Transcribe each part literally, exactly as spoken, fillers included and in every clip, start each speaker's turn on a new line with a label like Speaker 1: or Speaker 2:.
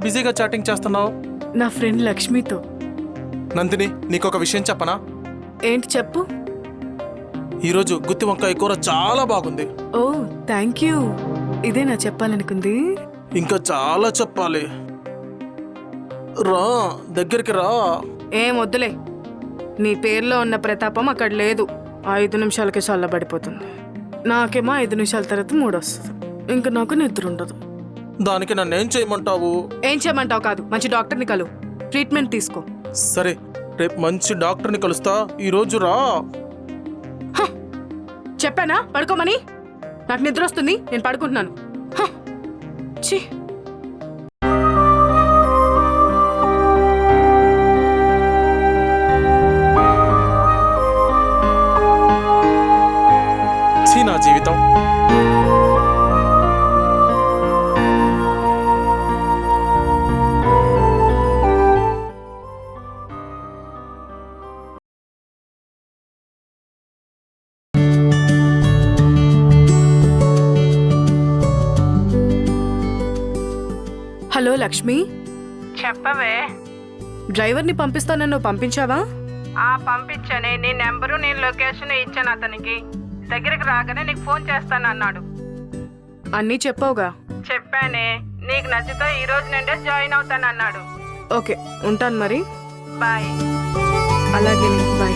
Speaker 1: బిజీగా చాటింగ్ చేస్తున్నావు?
Speaker 2: నా ఫ్రెండ్ లక్ష్మితో.
Speaker 1: నందిని, నీకొక విషయం చెప్పనా?
Speaker 2: ఏంటి చెప్పు.
Speaker 1: ఈరోజు గుత్తి వంకాయ కూర చాలా బాగుంది.
Speaker 2: Oh thank you. ఇదే నా చెప్పాలనుకుంది.
Speaker 1: ఇంకా చాలా చెప్పాలి. రా, దగ్గరికి రా.
Speaker 2: ఏం వద్దులే, నీ పేరులో ఉన్న ప్రతాపం అక్కడ లేదు. ఐదు నిమిషాలకి చల్లబడిపోతుంది. నాకేమో ఐదు నిమిషాల తర్వాత మూడు వస్తుంది. ఇంకా నాకు నిద్ర ఉండదు.
Speaker 1: దానికి నన్నేం చేయమంటావు?
Speaker 2: ఏం చేయమంటావు కాదు, మంచి డాక్టర్ని కలు, ట్రీట్మెంట్ తీసుకో.
Speaker 1: సరే, రేపు మంచి డాక్టర్ని కలుస్తా. ఈరోజు రా.
Speaker 2: చెప్పానా పడుకోమని? నాకు నిద్ర వస్తుంది, నేను పడుకుంటున్నాను. ఛీ.
Speaker 1: ఛీ నా జీవితం.
Speaker 2: హలో లక్ష్మి.
Speaker 3: చెప్పవే.
Speaker 2: డ్రైవర్ని పంపిస్తానని నువ్వు పంపించావా?
Speaker 3: ఆ పంపించానే. నీ నెంబరు నేను లొకేషన్ ఇచ్చాను అతనికి. దగ్గరికి రాగానే నీకు ఫోన్ చేస్తాను అన్నాడు.
Speaker 2: అన్నీ చెప్పావుగా?
Speaker 3: చెప్పానే. నీకు నచ్చితే ఈ రోజు నుండే జాయిన్ అవుతాను అన్నాడు.
Speaker 2: ఓకే, ఉంటాను మరి.
Speaker 3: బాయ్.
Speaker 2: అలాగే, బాయ్.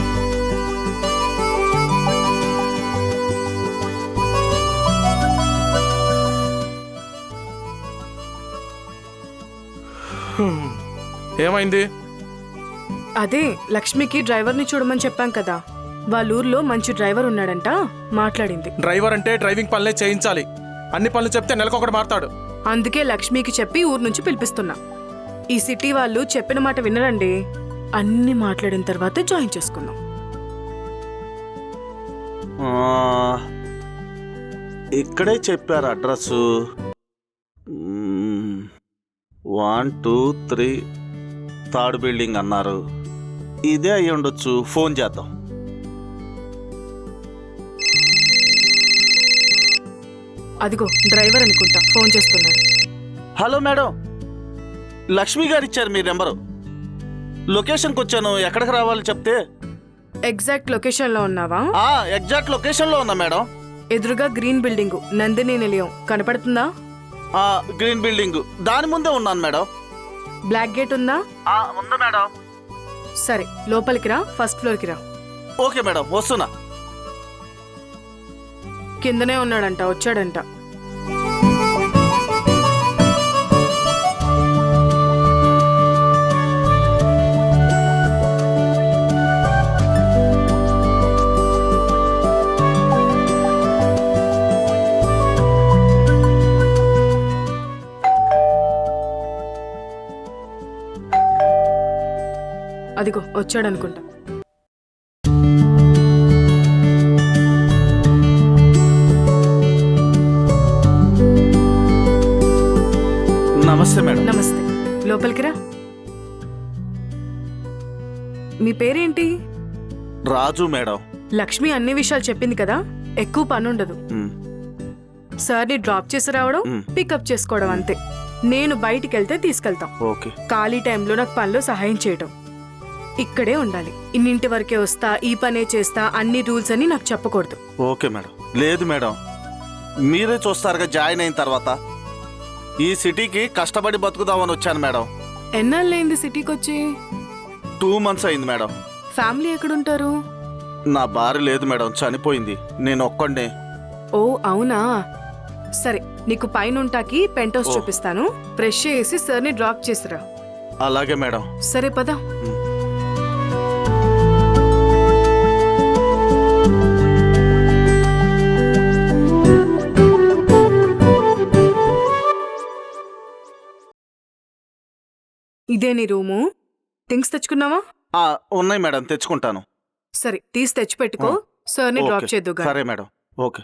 Speaker 1: ఏమైంది?
Speaker 2: అదే లక్ష్మికి డ్రైవర్ని చూడమని చెప్పాం కదా, వాళ్ళ ఊర్లో మంచి డ్రైవర్ ఉన్నాడంట, మాట్లాడింది.
Speaker 1: డ్రైవర్ అంటే డ్రైవింగ్ పనులే చేయించాలి. అన్ని పనులు చెప్తే నెలకొకటి మారుతాడు.
Speaker 2: అందుకే లక్ష్మికి చెప్పి ఊరు నుంచి పిలిపిస్తున్నా. ఈ సిటీ వాళ్ళు చెప్పిన మాట వినరండి. అన్ని మాట్లాడిన తర్వాతే జాయిన్ చేసుకుందాం.
Speaker 4: ఇక్కడే చెప్పారు అడ్రస్సు. One two three third building అన్నారు. ఇదే అయ్యి ఉండొచ్చు. ఫోన్ చేద్దాం.
Speaker 2: అదిగో డ్రైవర్ అనుకుంటా, ఫోన్ చేస్తున్నాడు.
Speaker 4: హలో మేడం, లక్ష్మి గారు ఇచ్చారు మీ నెంబరు. లొకేషన్కి వచ్చాను. ఎక్కడికి రావాలి చెప్తే.
Speaker 2: ఎగ్జాక్ట్ లొకేషన్ లో ఉన్నావా?
Speaker 4: ఆ ఎగ్జాక్ట్ లొకేషన్ లో ఉన్నా మేడం.
Speaker 2: ఎదురుగా గ్రీన్ బిల్డింగ్, నందిని నిలయం కనపడుతుందా?
Speaker 4: ఆ గ్రీన్ బిల్డింగ్ దాని ముందే ఉన్నాను మేడం.
Speaker 2: బ్లాక్ గేట్ ఉందా?
Speaker 4: ఆ ఉంది మేడం.
Speaker 2: సరే, లోపలికి రా, ఫస్ట్ ఫ్లోర్ కి రా.
Speaker 4: ఓకే మేడం, వస్తున్నా.
Speaker 2: కిందనే ఉన్నాడంట, వచ్చాడంట. అదిగో వచ్చాడనుకుంటా.
Speaker 4: నమస్తే మేడం.
Speaker 2: నమస్తే, లోపలికి రా. మీ పేరేంటి?
Speaker 4: రాజు మేడం.
Speaker 2: లక్ష్మి అన్ని విషయాలు చెప్పింది కదా, ఎక్కువ పని ఉండదు. సార్ని డ్రాప్ చేసి రావడం, పికప్ చేసుకోవడం అంతే. నేను బయటికి వెళ్తే తీసుకెళ్తాం.
Speaker 4: ఓకే.
Speaker 2: ఖాళీ టైంలో నాకు పనిలో సహాయం చేయడం. ఇక్కడే ఉండాలి. ఇన్నింటి వరకే వస్తా, ఈ పనే చేస్తా, అన్ని రూల్స్ అని నాకు చెప్పకూడదు.
Speaker 4: Okay madam. లేదు మేడం, మీరే చూస్తారుగా జాయిన్ అయిన తర్వాత. ఈ సిటీకి కష్టపడి బతుకుదామని వచ్చాను మేడం.
Speaker 2: ఎన్నాళ్ళైంది సిటీకి వచ్చి?
Speaker 4: టూ మంత్స్ అయింది మేడం.
Speaker 2: ఫ్యామిలీ ఎక్కడుంటారు?
Speaker 4: నా భార్య లేదు మేడం, చనిపోయింది. నేను ఒక్కడే.
Speaker 2: ఓ అవునా, సరే. నీకు పైన ఉంటాకి పెంట్ హౌస్ చూపిస్తాను. ఫ్రెష్ చేసి సార్ని డ్రాప్ చేసిరా.
Speaker 4: అలాగే మేడం.
Speaker 2: సరే పద. ఇదే నీ రూము. థింగ్స్ తెచ్చుకున్నావా?
Speaker 4: ఉన్నాయి మేడం, తెచ్చుకుంటాను.
Speaker 2: సరే, తీసి తెచ్చి పెట్టుకో. సార్ని డ్రాప్ చేద్దు.
Speaker 4: సరే మేడం. ఓకే.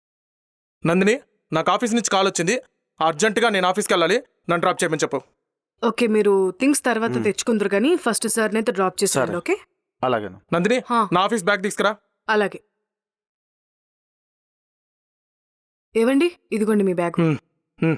Speaker 1: నందిని, నాకు ఆఫీస్ నుంచి కాల్ వచ్చింది. అర్జెంటుగా నేను ఆఫీస్కి వెళ్ళాలి. నన్ను డ్రాప్ చేయమని చెప్పు.
Speaker 2: ఓకే మీరు థింగ్స్ తర్వాత తెచ్చుకుందరు కానీ ఫస్ట్ సార్ నైతే డ్రాప్ చేసేయండి.
Speaker 4: సరే.
Speaker 2: ఓకే
Speaker 4: అలాగే
Speaker 1: నందిని
Speaker 2: హా.
Speaker 1: నా ఆఫీస్ బ్యాగ్ తీసుకురా.
Speaker 2: అలాగే. ఏవండి ఇదిగోండి మీ బ్యాగ్.
Speaker 1: హ్మ్, హ్మ్.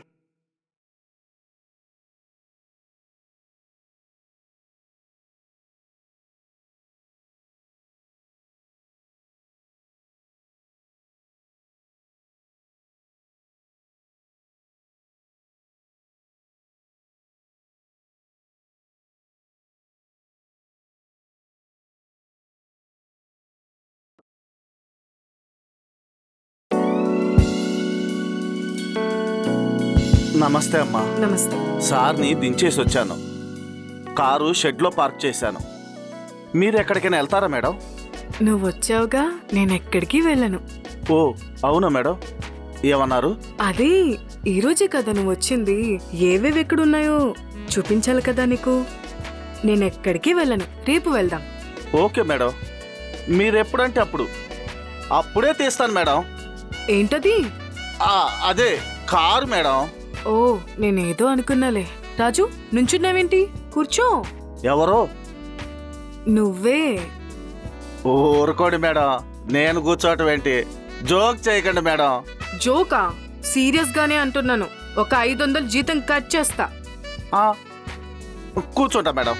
Speaker 4: నమస్తే అమ్మా.
Speaker 2: నమస్తే.
Speaker 4: సార్ని దించేసి వచ్చాను. కారు షెడ్లో పార్క్ చేశాను. మీరు ఎక్కడికైనా వెళ్తారా మేడం?
Speaker 2: నువ్వు వచ్చావుగా నేను ఎక్కడికి వెళ్ళను.
Speaker 4: ఓ అవునా మేడం, ఏమన్నారు?
Speaker 2: అదే ఈరోజే కదా నువ్వు వచ్చింది. ఏవేవి ఎక్కడున్నాయో చూపించాలి కదా నీకు. నేను ఎక్కడికి వెళ్ళను, రేపు వెళ్దాం.
Speaker 4: ఓకే మేడం, మీరెప్పుడంటే అప్పుడు అప్పుడే తీస్తాను మేడం.
Speaker 2: ఏంటది?
Speaker 4: ఆ, అదే కారు మేడం.
Speaker 2: ఓ నేనేదో అనుకున్నాలే. రాజు నుంచున్నావేంటి? కూర్చో.
Speaker 4: ఎవరో?
Speaker 2: నువ్వే.
Speaker 4: ఊరుకోండి మేడం, నేను కూర్చోవటం ఏంటి? జోక్ చేయకండి మేడం.
Speaker 2: జోకా? సీరియస్ గానే అంటున్నాను. ఒక ఐదు వందలు జీతం కట్ చేస్తా.
Speaker 4: ఆ, కూర్చుంటా మేడం.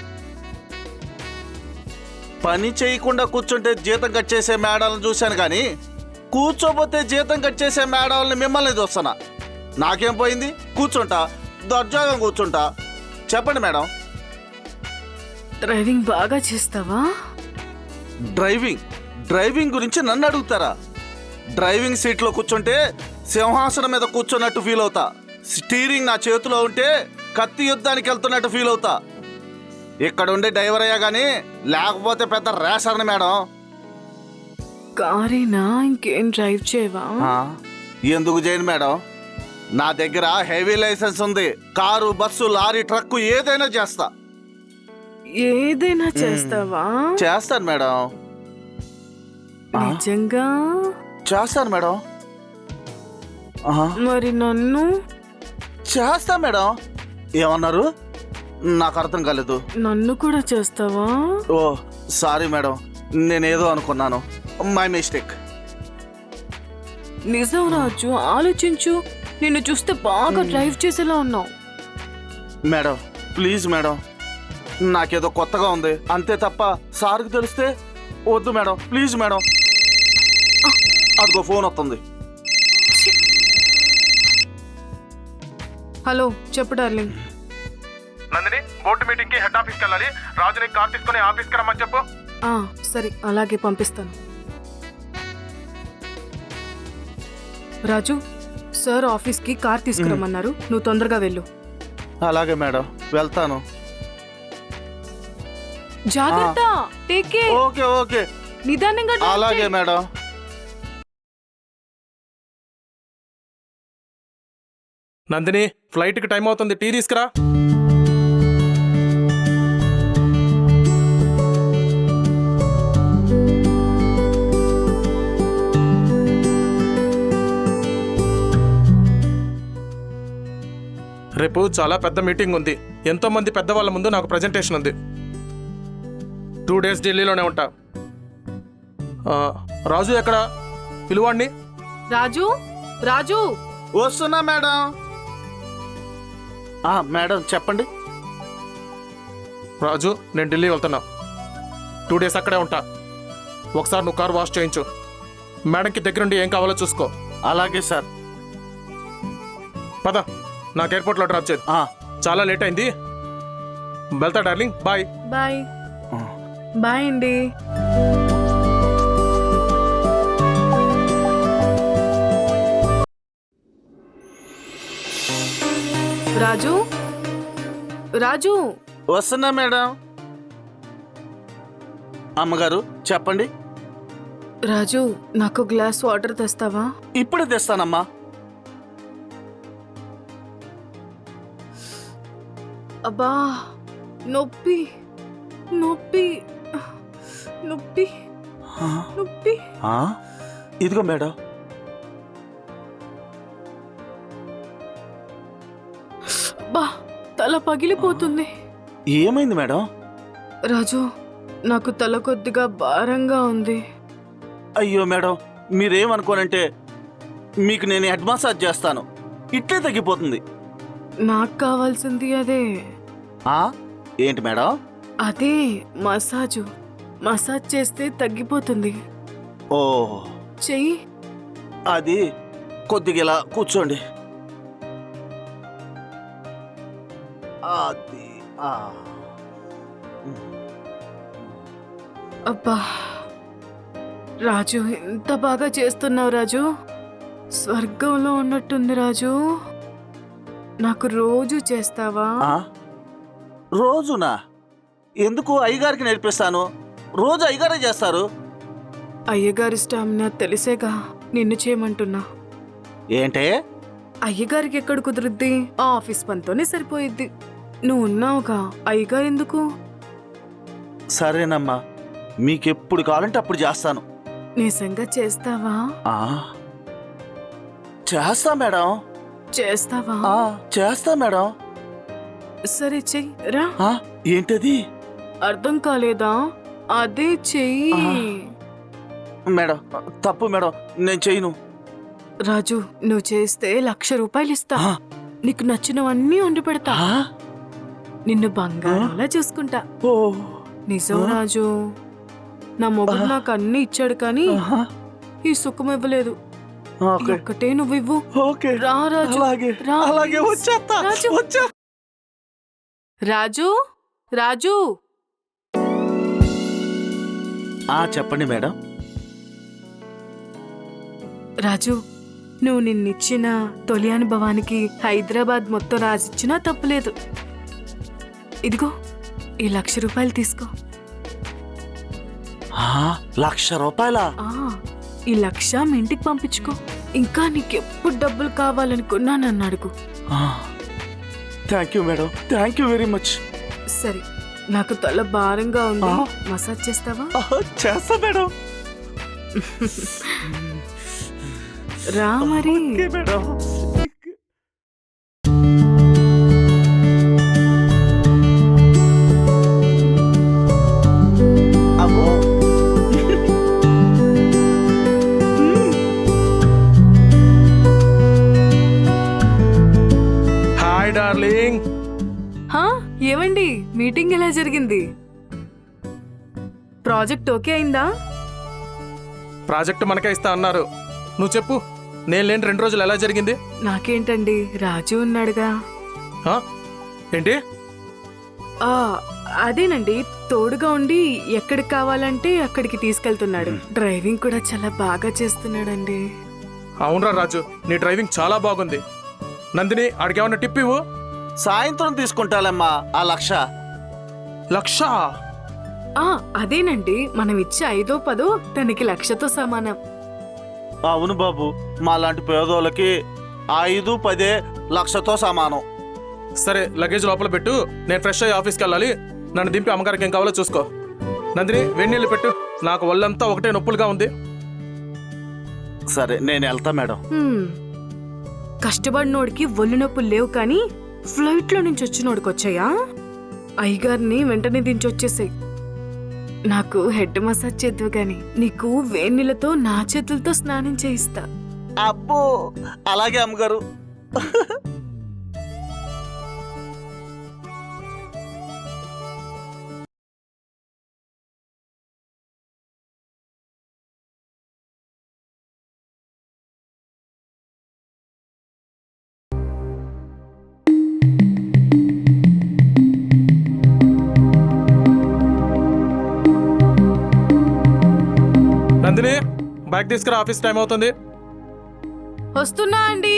Speaker 4: పని చేయకుండా కూర్చుంటే జీతం కట్ చేసే మేడాలను చూశాను కానీ కూర్చోపోతే జీతం కట్ చేసే మేడాలని మిమ్మల్ని చూస్తున్నా. నాకేం పోయింది? కూర్చుంటా, దర్జాగా కూర్చుంటా. చెప్పండి మేడం.
Speaker 2: డ్రైవింగ్ బాగా చేస్తావా?
Speaker 4: డ్రైవింగ్ డ్రైవింగ్ గురించి నన్ను అడుగుతారా? డ్రైవింగ్ సీట్లో కూర్చుంటే సింహాసనం మీద కూర్చున్నట్టు ఫీల్ అవుతా. స్టీరింగ్ నా చేతిలో ఉంటే కత్తి యుద్ధానికి వెళ్తున్నట్టు ఫీల్ అవుతా. ఇక్కడ ఉండే డ్రైవర్ అయ్యా కానీ లేకపోతే పెద్ద రేసర్ని మేడం.
Speaker 2: కారేనా? ఇంకేం డ్రైవ్ చేయవా?
Speaker 4: ఆ, ఎందుకు చేయను మేడం? నా దగ్గర హెవీ లైసెన్స్ ఉంది. కారు, బస్సు, లారీ, ట్రక్కు ఏదైనా చేస్తా.
Speaker 2: ఏదైనా చేస్తావా?
Speaker 4: చేస్తాను మేడం. ఆ,
Speaker 2: నిజంగా?
Speaker 4: చేస్తాను మేడం. ఆహా,
Speaker 2: మరి నన్ను?
Speaker 4: చేస్తా మేడం. ఏమన్నారు? నాకు అర్థం కాలేదు.
Speaker 2: నన్ను కూడా చేస్తావా?
Speaker 4: ఓ సారీ మేడం, నేనేదో అనుకున్నాను. My mistake.
Speaker 2: నిజం రాజు, ఆలోచించు. నిన్ను చూస్తే బాగా డ్రైవ్ చేసేలా ఉన్నావు.
Speaker 4: మేడం ప్లీజ్ మేడం, నాకేదో కొత్తగా ఉంది అంతే తప్ప సార్కి తెలిస్తే వద్దు మేడం. Please madam. అదిగో ఫోన్ వస్తుంది.
Speaker 2: హలో చెప్పు డార్లింగ్.
Speaker 1: నందిని బోర్డు మీటింగ్ కి హెడ్ ఆఫీస్ కి వెళ్ళాలి. రాజుని కార్ తీసుకుని ఆఫీస్ కి రమ్మని చెప్పు.
Speaker 2: ఆ, సరే అలాగే పంపిస్తాను. రాజు సార్ ఆఫీస్కి కార్ తీసుకురమ్మన్నారు. నువ్వు తొందరగా వెళ్ళు.
Speaker 4: అలాగే మేడం, వెళ్తాను.
Speaker 2: జాగ్రత్త. Take care.
Speaker 4: ఓకే ఓకే,
Speaker 2: నిదానంగా drive
Speaker 4: అలాగే
Speaker 2: చేయి.
Speaker 4: మేడం.
Speaker 1: నందిని ఫ్లైట్ కి టైం అవుతుంది, టీ తీసుకురా. రేపు చాలా పెద్ద మీటింగ్ ఉంది. ఎంతో మంది పెద్దవాళ్ళ ముందు నాకు ప్రజెంటేషన్ ఉంది. టూ డేస్ ఢిల్లీలోనే ఉంటా. ఆ, రాజు ఎక్కడ? పిలువాడిని.
Speaker 2: రాజు రాజు
Speaker 4: వస్తున్నా మేడం. ఆ, మేడం చెప్పండి.
Speaker 1: రాజు నేను ఢిల్లీ వెళ్తున్నా. టూ డేస్ అక్కడే ఉంటా. ఒకసారి నువ్వు కార్ వాష్ చేయించు. మేడంకి దగ్గరుండి ఏం కావాలో చూసుకో.
Speaker 4: అలాగే సార్.
Speaker 1: పద, నాకు ఎయిర్పోర్ట్లో డ్రాప్ చేయదు.
Speaker 4: ఆ,
Speaker 1: చాలా లేట్ అయింది. వెళ్తా డార్లింగ్, బాయ్.
Speaker 2: బాయ్. బాయ్ అండి. రాజు రాజు
Speaker 4: వస్తున్నా మేడం. అమ్మగారు చెప్పండి.
Speaker 2: రాజు నాకు గ్లాస్ వాటర్ తెస్తావా?
Speaker 4: ఇప్పుడే తెస్తానమ్మా.
Speaker 2: అబ్బా నొప్పి నొప్పి నొప్పి
Speaker 4: ఆ,
Speaker 2: నొప్పి.
Speaker 4: ఆ, ఇదిగో మేడం.
Speaker 2: అబ్బా తల పగిలిపోతుంది.
Speaker 4: ఏమైంది మేడం?
Speaker 2: రాజు, నాకు తల కొద్దిగా భారంగా ఉంది.
Speaker 4: అయ్యో మేడం, మీరేమనుకోనంటే మీకు నేను హెడ్ మసాజ్ చేస్తాను, ఇట్లే తగ్గిపోతుంది.
Speaker 2: నాకు కావాల్సింది అదే.
Speaker 4: ఆ? ఏంటి మేడం?
Speaker 2: అదే మసాజు. మసాజ్ చేస్తే తగ్గిపోతుంది.
Speaker 4: ఓ,
Speaker 2: చెయ్యి.
Speaker 4: అది కొద్దిగా ఇలా కూర్చోండి. అది ఆ.
Speaker 2: అబ్బా రాజు, ఎంత బాగా చేస్తున్నావు రాజు. స్వర్గంలో ఉన్నట్టుంది రాజు. నాకు రోజు చేస్తావా?
Speaker 4: ఆ? రోజునా? ఎందుకు? అయ్యగారికి నేర్పిస్తాను, రోజు అయ్యగారే చేస్తారు.
Speaker 2: అయ్యగారి స్టామినా తెలిసేగా నిన్ను చేయమంటున్నా.
Speaker 4: ఏంటే?
Speaker 2: అయ్యగారికి ఎక్కడ కుదురుద్ది? ఆ ఆఫీస్ పనితోనే సరిపోయిద్ది. నువ్వు ఉన్నావుగా, అయ్యగారు ఎందుకు?
Speaker 4: సరేనమ్మా, మీకెప్పుడు కావాలంటే అప్పుడు చేస్తాను.
Speaker 2: నిజంగా చేస్తావా?
Speaker 4: ఆ, చేస్తా మేడం.
Speaker 2: చేస్తావా?
Speaker 4: ఆ, చేస్తా మేడం.
Speaker 2: సరే చెయ్యి రా.
Speaker 4: ఆ, ఏంటది?
Speaker 2: అర్థం కాలేదా? అదే చెయ్యి.
Speaker 4: మేడం తప్పు మేడం, నేను చేయను.
Speaker 2: రాజు, నువ్వు చేస్తే లక్ష రూపాయలు ఇస్తా.
Speaker 4: ఆ,
Speaker 2: నీకు నచ్చినవన్నీ వండి పెడతా.
Speaker 4: ఆ?
Speaker 2: నిన్ను బంగారంలా చూసుకుంటా.
Speaker 4: ఓ,
Speaker 2: నిజం రాజు. నా మొగుడు నాకు అన్ని ఇచ్చాడు కానీ
Speaker 4: ఆహా.
Speaker 2: ఈ సుఖం ఇవ్వలేదు.
Speaker 4: ఓకే
Speaker 2: ఒక్కటే నువ్వు ఇవ్వు.
Speaker 4: ఓకే,
Speaker 2: రా రాజు.
Speaker 4: అలాగే
Speaker 2: రా,
Speaker 4: అలాగే
Speaker 2: please.
Speaker 4: వచ్చేస్తా
Speaker 2: రాజు.
Speaker 4: వచ్చే
Speaker 2: రాజు, రాజు.
Speaker 4: ఆ, చెప్పండి మేడం.
Speaker 2: రాజు, నువ్వు నిన్నిచ్చిన తొలి అనుభవానికి హైదరాబాద్ మొత్తం రాసిచ్చినా తప్పులేదు. ఇదిగో ఈ లక్ష రూపాయలు తీసుకో.
Speaker 4: ఆ, లక్ష రూపాయలా?
Speaker 2: ఆ ఈ లక్ష మీ ఇంటికి పంపించుకో. ఇంకా నీకెప్పుడు డబ్బులు కావాలనుకున్నా నన్ను అడుగు.
Speaker 4: Thank you madam, thank you very much.
Speaker 2: సరే, నాకు తల భారంగా ఉంది.
Speaker 4: ఆ.
Speaker 2: మసాజ్ చేస్తావా?
Speaker 4: చేస్తా మేడం.
Speaker 2: రా మరి.
Speaker 4: Okay madam. అమ్మో.
Speaker 1: Hi darling.
Speaker 2: హా, ఏమండి, మీటింగ్ ఎలా జరిగింది? ప్రాజెక్ట్ ఓకే అయిందా?
Speaker 1: ప్రాజెక్ట్ మనకే ఇస్తా అన్నారు. నువ్వు చెప్పు, నేను లేని రెండు రోజులు ఎలా జరిగింది?
Speaker 2: నాకేంటండి, రాజు ఉన్నాడుగా.
Speaker 1: ఆ? ఏంటి?
Speaker 2: ఆ అదేనండి, తోడుగా ఉండి ఎక్కడికి కావాలంటే అక్కడికి తీసుకెళ్తున్నాడు. డ్రైవింగ్ కూడా చాలా బాగా చేస్తున్నాడండి.
Speaker 1: అవునరా రాజు, నీ డ్రైవింగ్ చాలా బాగుంది. నందిని, ఆడికేమన్నా టిప్ ఇవ్వు.
Speaker 4: సాయంత్రం తీసుకుంటాలమ్మా ఆ లక్ష.
Speaker 1: లక్ష?
Speaker 2: ఆ అదేనండి, మనం ఇచ్చే ఐదో పదో తనకి లక్షతో సమానం.
Speaker 4: అవును బాబు, మా లాంటి పేదోళ్ళకి ఐదు పదే లక్షతో సమానం.
Speaker 1: సరే, లగేజ్ లోపల పెట్టు, నేను ఫ్రెష్ అయ్యి ఆఫీస్కి వెళ్ళాలి. నన్ను దింపి అమ్మగారికి ఏం కావాలో చూసుకో. నందిని, వెన్నీళ్ళు పెట్టు, నాకు ఒళ్ళంతా ఒకటే నొప్పులుగా ఉంది.
Speaker 4: సరే, నేను వెళ్తా మేడం.
Speaker 2: హ్మ్. కష్టపడినోడికి ఒళ్ళు నొప్పులు లేవు కానీ ఫ్లైట్లో నుంచి వచ్చినోడికి వచ్చాయా? అయ్యగారిని వెంటనే దించొచ్చేసాయి. నాకు హెడ్ మసాజ్ చేద్దు గాని నీకు వేణీళ్ళతో నా చేతులతో స్నానం చేయిస్తా.
Speaker 4: అబ్బో, అలాగే అమ్మగారు.
Speaker 1: నందిని, బైక్ తీసుకురా, ఆఫీస్ టైం అవుతుంది.
Speaker 2: వస్తున్నా అండి.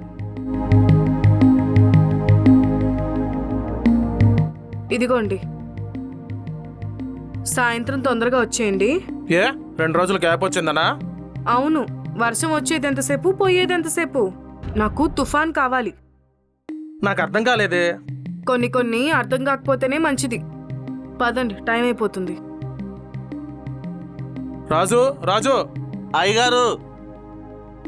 Speaker 2: ఇదిగోండి, సాయంత్రం తొందరగా వచ్చేయండి.
Speaker 1: ఏ, రెండు రోజులు గ్యాప్ వచ్చిందనా?
Speaker 2: అవును, వర్షం వచ్చేది ఎంతసేపు, పోయేది ఎంతసేపు. నాకు తుఫాన్ కావాలి.
Speaker 1: నాకు అర్థం కాలేదే.
Speaker 2: కొన్ని కొన్ని అర్థం కాకపోతేనే మంచిది. పదండి, టైం అయిపోతుంది.
Speaker 1: రాజు, రాజు,
Speaker 4: అయ్యగారు,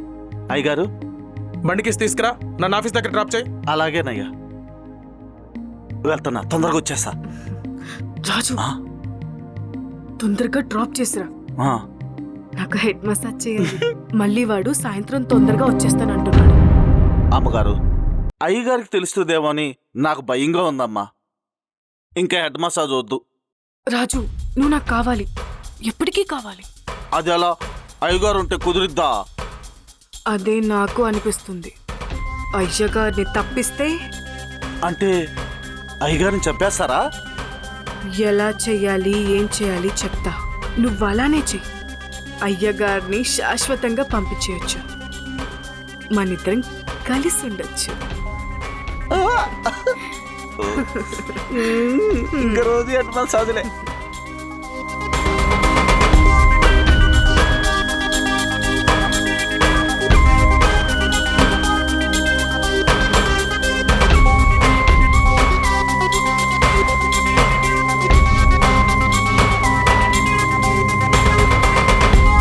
Speaker 4: అయ్యగారు,
Speaker 1: బండికి తీసుకురా, నన్ను ఆఫీస్ దగ్గర డ్రాప్ చేయి.
Speaker 4: అలాగేనయ్యా. వెళ్తున్నా, తొందరగా వచ్చేస్తా.
Speaker 2: రాజు
Speaker 4: ఆ,
Speaker 2: తొందరగా డ్రాప్ చేసిరా,
Speaker 4: ఆ.
Speaker 2: నాకు హెడ్ మసాజ్ చేయాలి. మళ్ళీ వాడు సాయంత్రం తొందరగా వచ్చేస్తానంటున్నాడు.
Speaker 4: అమ్మగారు, అయ్యగారికి తెలుస్తుందేమో అని నాకు భయంగా ఉందమ్మా. ఇంకా హెడ్ మసాజ్ వద్దు.
Speaker 2: రాజు నువ్వు నాకు కావాలి, ఎప్పటికీ కావాలి.
Speaker 4: అది ఎలా? అయ్యగారు ఉంటే కుదిరిద్దా?
Speaker 2: అదే నాకు అనిపిస్తుంది. అయ్యగారిని తప్పిస్తే
Speaker 4: అంటే అయ్యగారిని చంపేస్తారా?
Speaker 2: ఎలా చెయ్యాలి, ఏం చేయాలి చెప్తా. నువ్వు అలానే చెయ్యి. అయ్యగారిని శాశ్వతంగా పంపించేయచ్చు. మనిద్దరం కలిసి ఉండొచ్చు.
Speaker 4: ఇంకా రోజు హెడ్ మసాజ్లే.